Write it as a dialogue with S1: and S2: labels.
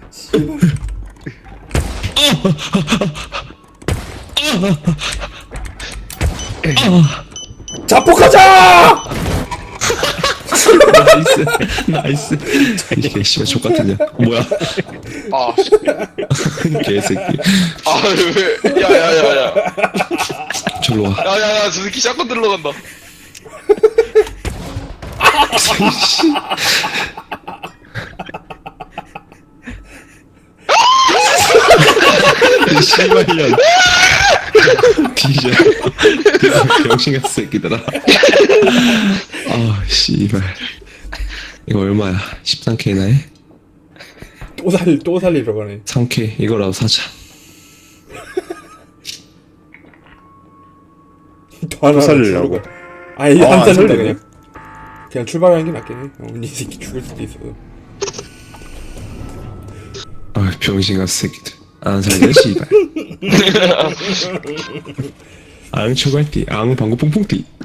S1: 자폭하자!
S2: 나이스. 이게 씨발 족같으냐. 뭐야.
S3: 아,
S2: 개새끼.
S3: 아, 왜? 야야야야.
S2: 절로 와.
S3: 야야야, 저 새끼 샷건 들러 간다.
S2: 씨발년. 뒤져. 병신 같은 새끼들아. 아, 씨발. 이거 얼마야? 13K나 해?
S1: 또 살리러 가네.
S2: 3K. 이거라도 사자.
S1: 또 하나
S4: 살리려고.
S1: 주고. 아니,
S4: 아,
S1: 안
S4: 안
S1: 살린다,
S4: 살리네.
S1: 그냥 출발하는 게 낫겠네. 이 새끼 죽을 수도 있어.
S2: 아, 병신 같은 새끼들. 안 살려, 씨발. 앙 초갈띠, 앙 방구 뽕뽕띠.